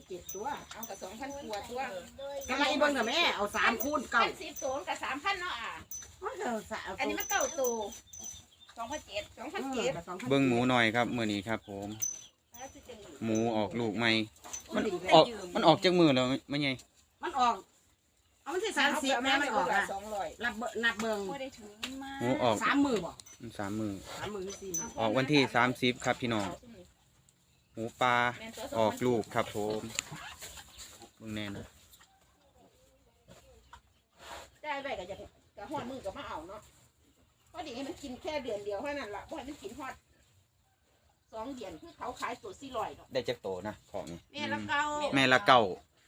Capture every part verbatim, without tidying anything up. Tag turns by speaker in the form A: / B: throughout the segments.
A: เจ็ดตัวเอากับสองพันตัวตัว
B: ทำไมเบิ่งเถอะแม่เอาสามคูณเก้า
A: สิบตัวกับสามพันเนาะอ่ะอันนี้มันเก้าตัวสองพันเจ็ดสองพันเจ็ด
C: เบิ่งหมูหน่อยครับมื้อนี้ครับผมหมูออกลูกใหม่มันออกมันออกจากมือแล้วมันไง
B: มันออกเอามันที่สามสิบแม่มันออกอ่ะ
A: สองร้อย
B: นับเบิ่งนับเบิ่ง
C: หมูออก
B: สามมือบ่
C: สามมือ
B: สามมือสี่
C: ออกวันที่สามสิบครับพี่น้องหมูปลาออกลูกครับผมเบิ่งแน่นะ
A: ได้ไปกับจะกับหอดมือกับมาเอาเนาะเพราะดีให้มันกินแค่เดือนเดียวเท่านั้นละเพราะมันกินหอดสองเดือนคือเขาขายตัวสี่ร้อยเนาะ
C: ได้จักโตนะของนี่
A: แม่ละเก้า
C: แม่ละเก้า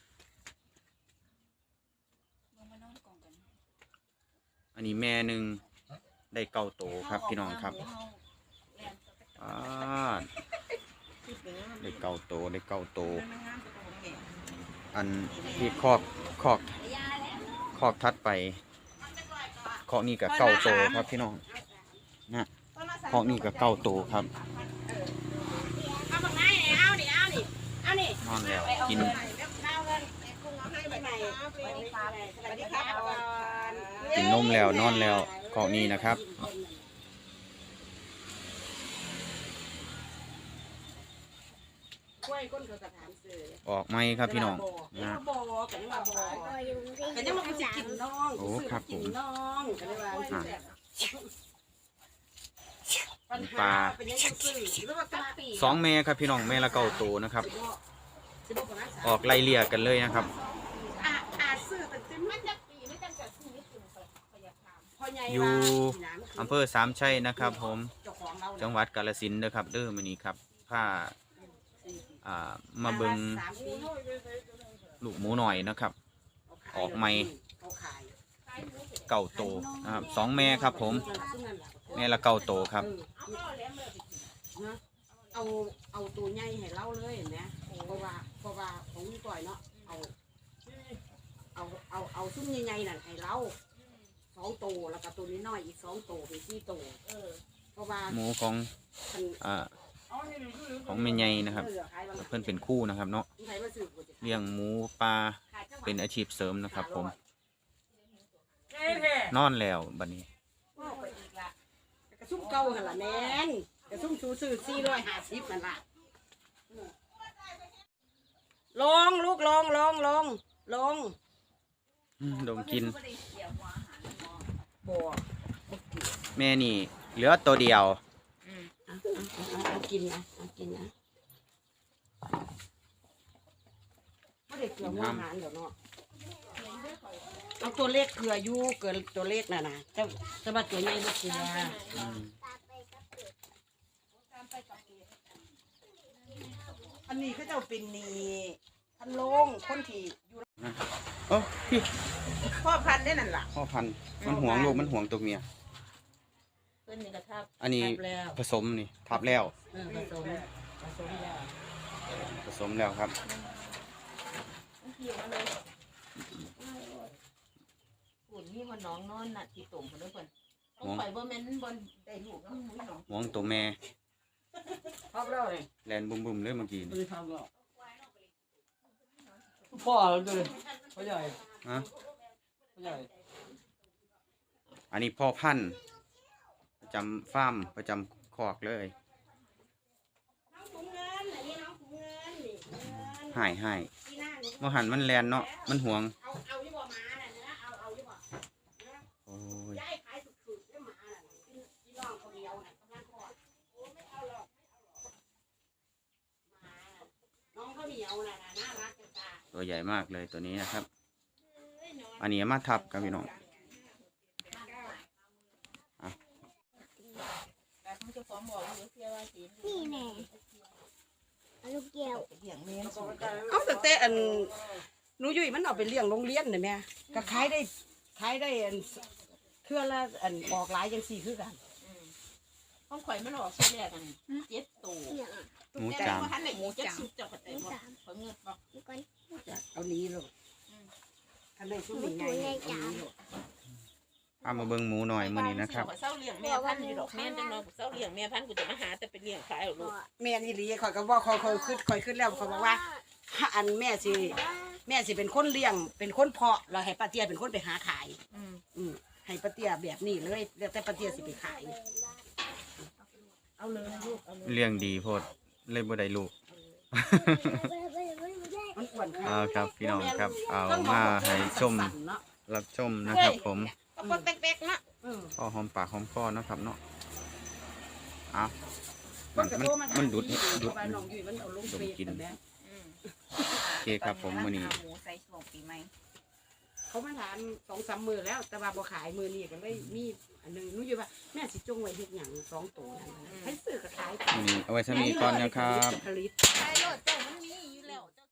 C: อันนี้แม่หนึ่งได้เก้าโตครับพี่น้องครับอ่าได้เก้าโตได้เก้าโตอันที่คอกคอกคอกทัดไปคอกนี่กับเก้าโตครับพี่น้องนะคอกนี่กับเก้าโตครับ
A: เอาบังไงเอาดิเอาดิเอาดิ
C: นอนแล้วกิน กินนมแล้วนอนแล้วคอกนี้นะครับ ออกไหมครับพี่น้องนะ
B: กันยังว่าบ่กันยังว่าสิกินน้อง
C: โอ้ครับผม
B: น้องกันยังว่า
C: อ่ะ
B: ปัญหาเป็นยังซื่อหรือว่าตาปี
C: สองแม่ครับพี่น้องแม่ละเก้าโตนะครับ ออกไล่เลี่ยกันเลยนะครับ
B: อ่ะอาซื้อเป็นเต็ม
A: มันจะปีไม่จำกัดที่ญี่ปุ่นพยาคาม
B: พ่อใหญ่
C: อยู่อำเภอสามชัยนะครับผม
B: เจ้าของเรา
C: จังหวัดกาฬสินธุ์นะครับเด้อมื้อนี้ครับผ้าอ่ามาเบิ่งลูกหมูหน่อยนะครับ ออกใหม่เก้าโตนะครับสองแม่ครับผมแม่ละเก้าโตครับ
B: เอาเอาตัวใหญ่ให้เราเลยเห็นไหมเพราะว่าเพราะว่าของนี่ก่อยเนาะเอาเอาเอาเอาซุ้มใหญ่ๆนั่นให้เราสองตัวแล้วก็ตัวนี้น้อยอีกสองตัวเป็นสี่ตัวเพราะว่า
C: หมูของอ่าของแม่ใหญ่นะครับ เพื่อนเป็นคู่นะครับเนาะเลี้ยงหมูปลาเป็นอาชีพเสริมนะครับ ผมนอนแล้วบัดนี้
B: กระซุ่มเก่าหันละแม่นกระซุ่มสูซื้อสี่ร้อยห้าสิบนั่นละลงลูกลงลงลงลง
C: อืมดมกิน
B: บ่
C: แม่นี่เหลือตัวเดียว
B: เอากินนะเอากินนะไม่ได้เกลือหัวอาหารเดี๋ยวเนาะเอาตัวเล็กเกลืออยู่เกลือตัวเล็กน่ะนะจะจะมาตัวใหญ่ไม่เกลือ
C: อืม
B: อันนี้เขาเจ้าเป็นนี่พันโลงคนที่อยู่
C: โอ้พี่
A: พ่อพันได้นั่นล่ะ
C: พ่อพันธุ์มันห่วงลูกมันห่วงตัวเมีย
A: เพิ่นนี่กระทับ
C: อันนี้
B: ทับแล้ว
C: ผสมนี่ทับแล้ว
B: เออผสมผสมแล้ว
C: ผสมแล้วครับ
A: เกี่ยวเลยหุ่นนี่มันน้องนอนน่ะที่ตุ่มเพิ่นเพิ่นต้องไปบ่แม่นบ่ได้ลูกแล้วมุ้ยน้อง
C: ห่วงตัวแม่
B: ทับแล้วเลย
C: แลนบุ้มๆเลยเมื่อกี้
B: ไม่
C: นี่
B: ได้ทำหรอกพ่อเลยพ่อใหญ่
C: ฮะ
B: พ่อใหญ่
C: อันนี้พ่อพันธุ์ประจำฟาร์มประจำคอกเลยหายหายมหันมันแลนเนาะมันห่วง
B: เอาเอาที่บ่มาน่ะนะเอาเอาที่บ่
C: โอ้ย
B: ย้ายขายสุดๆได้หมาน่ะพี่น้องคนเดียวน่ะกำลังคลอดโอ้ไม่เอาหรอกหมาน้องเขาเหนียวน่ะน่ารักจังตา
C: ตัวใหญ่มากเลยตัวนี้นะครับ อันนี้มาทับครับพี่น้อง
A: แต่เขาจะฟ้องบอกอยู่เสียว่าสิ
D: นี่แน่ลูกแก้ว
A: เลี้ยงแม่น
B: เอาแต่แต่อันหนูยุ้ยมันเอาไปเลี้ยงโรงเรียนน่ะแม่ก็ขายได้ขายได้อันเทื่อละอันออกหลายจังซี่คือกัน
A: ห้องข่อยมันออกชิ้นแรกกันเจ็ดตัว
D: เนี่ย
C: หมู
A: แต่
C: จาม
A: ว่าท่านไหนหมูเจ็ดสุดเจ้าก็ได้บ่เขาเงินบ่
D: นี่ก่อน
B: เอานี้ลูกคันได้ชุดใหญ่ๆเอานี้ลูก
C: เอามาเบิ่งหมูหน่อยมื้อนี้นะครับ
A: เศร้าเลี้ยงแม่พันธุ์อยู่ดอกแม่จังเนาะเศร้าเลี้ยงแม่พันธุ์กูจะมาหาแต่ไปเลี้ยงขายเอาลูก
B: แม่นอีหลีข่อยก็บอกข่อยข่อยขึ้นข่อยขึ้นแล้วข่อยบอกว่าถ้าอันแม่สิแม่สิเป็นคนเลี้ยงเป็นคนเพาะเราให้ป้าเตี้ยเป็นคนไปหาขาย
A: อืม
B: อืมให้ป้าเตี้ยแบบนี้เลยแล้วแต่ป้าเตี้ยสิไปขาย
A: เอาเลยลูกเอาเลย
C: เลี้ยงดีโพดเลยบ่ได้ลูก
B: มันอ้วน
C: เอาครับพี่น้องครับเอามาให้ชม
B: สั่นๆเนาะ
C: รับชมนะครับผม
A: ก็ปกเป๊กๆเนาะ
B: เออ
C: พอหอมปากหอมคอเนาะครับเนาะเอา
B: ค
C: มัน
B: นก็
C: มัน
B: โทรมาถา
C: มันดุด
B: อยู่
C: ดุด
B: ว่าน้องยุ้ยมันเอาลงเฟซแต่แม่
A: อืม
C: โอเคครับผมมื้อนี้
E: หมูใส่ช่วงปีใหม่
B: เขามาถามสองสามมือแล้ว แต่ว่าบ่ขายมือนี้ก็เลยมีอันหนึงหนูอยู่ว่าแม่สิจงไว้เฮ็ดหยังสองตัวนั่นน่ะให้ซื้อก็ขายไป
C: มื้อนี้เอาไว้สำนี้ก่อนนะครับ
B: ผลิต
E: ใช่โลดเจ้ามันมีอยู่แล้วเจ้า